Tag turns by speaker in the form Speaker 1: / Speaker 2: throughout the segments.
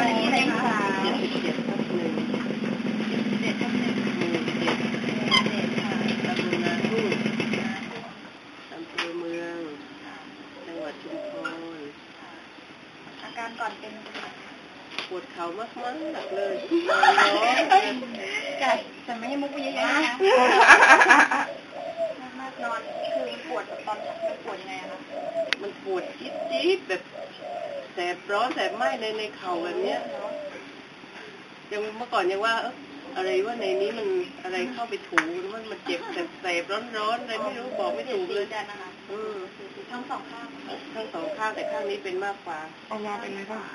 Speaker 1: บ้านเลขที่อะไรคะ
Speaker 2: 77/1 ตำบลนาทุ่งอำเภอเมืองจังหวัดชุมพร
Speaker 1: อาการก่อนเป็น
Speaker 2: ปวดเข่ามากๆเลย
Speaker 1: แต่ไม่ให้มุกไปเยอะๆนะคะมากนอนคือปวดตอนมันปวดยังไงคะ
Speaker 2: มันปวดจี๊ดๆแบบแสบร้อนแสบไหม้ในเข่าแบบเนี้ยยังเมื่อก่อนยังว่าอะไรว่าในนี้มันอะไรเข้าไปถูมันเจ็บแสบร้อนอะไรไม่รู้บอกไม่ถูกเลย
Speaker 1: นะคะทั้งสองข้าง
Speaker 2: แต่ข้างนี้เป็นมากกว่า
Speaker 3: เอามาเป็นไรบ้าง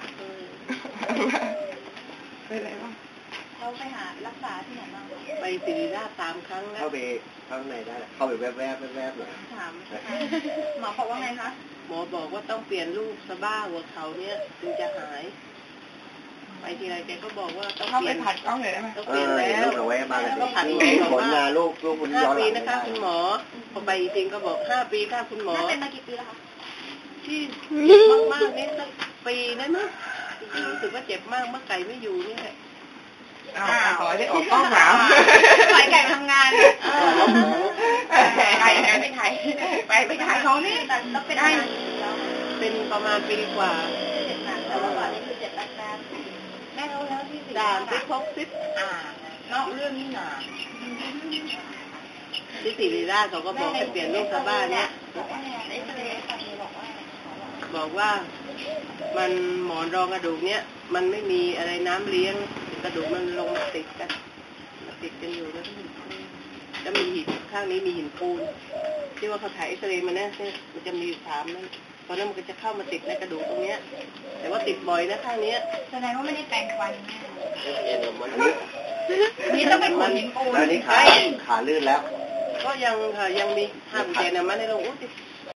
Speaker 3: เป็นไรบ้าง
Speaker 1: เราไปหารักษาที่ไหนบ้าง
Speaker 2: ไปศิริราช3 ครั้งแล้ว
Speaker 4: เข้าไปข้างในได้เข้าไปแวบหน่อย
Speaker 1: ถามหมอบอกว่าไงคะ
Speaker 2: หมอบอกว่าต้องเปลี่ยนลูกสะบ้าหัวเขาเนี่ยถึงจะหายไปทีไรแกก็บอกว่าต้องเปลี่ยน
Speaker 3: ผัดกล้องเลยได้ไหม
Speaker 2: ต้องเปลี่ยนแล้ว
Speaker 4: ลูกเอาไว้มาเลย
Speaker 2: ก็ผัด
Speaker 4: ผลงานลูกคุณย้อนหลัง
Speaker 2: 5 ปีนะคะคุณหมอพอไปจริงก็บอก5 ปีค่ะคุณหมอ
Speaker 1: เป็นมากี่ปีแล้วคะ
Speaker 2: ที่มากๆนี่สักปีได้มั้ยรู้สึกว่าเจ็บมากเมื่อไก่ไม่อยู่นี่แหละ
Speaker 3: ขอได้ออกกล้องหนาว
Speaker 1: ปล่อยไก่ทำงาน
Speaker 3: ไก่ไม่ไทยไปขายของนี่
Speaker 1: แล้วเป็น
Speaker 2: เป็นประมาณปีกว่า
Speaker 1: แต่ว่าก่อนนี่คือเจ็บแป๊บแม่รู้แล้วที่สิ
Speaker 2: ด่านที่พกซิป
Speaker 1: นอกเรื่องนี่หนา
Speaker 2: ที่ศิริราชเขาก็บอกให้เปลี่ยนลูกสะบ้าเนี่ยบอกว่ามันหมอนรองกระดูกเนี่ยมันไม่มีอะไรน้ำเลี้ยงกระดูกมันลงมาติดกันอยู่แล้วจะมีหินข้างนี้มีหินปูนที่ว่าเขาถ่ายเอ็กซเรย์มาเนี่ยมันจะมี3นั่นตอนนั้นมันก็จะเข้ามาติดในกระดูกตรงเนี้ยแต่ว่าติดบ่อยนะข้างนี้
Speaker 1: แสดงว่าไม่ได้แปรงฟัน
Speaker 4: นี่
Speaker 1: ต้องเป็นหินปูน
Speaker 4: แล้วนี่ขาลื่นแล้ว
Speaker 2: ก็ยังค่ะยังมี5 เปอร์เซ็นต์นะมันในโรง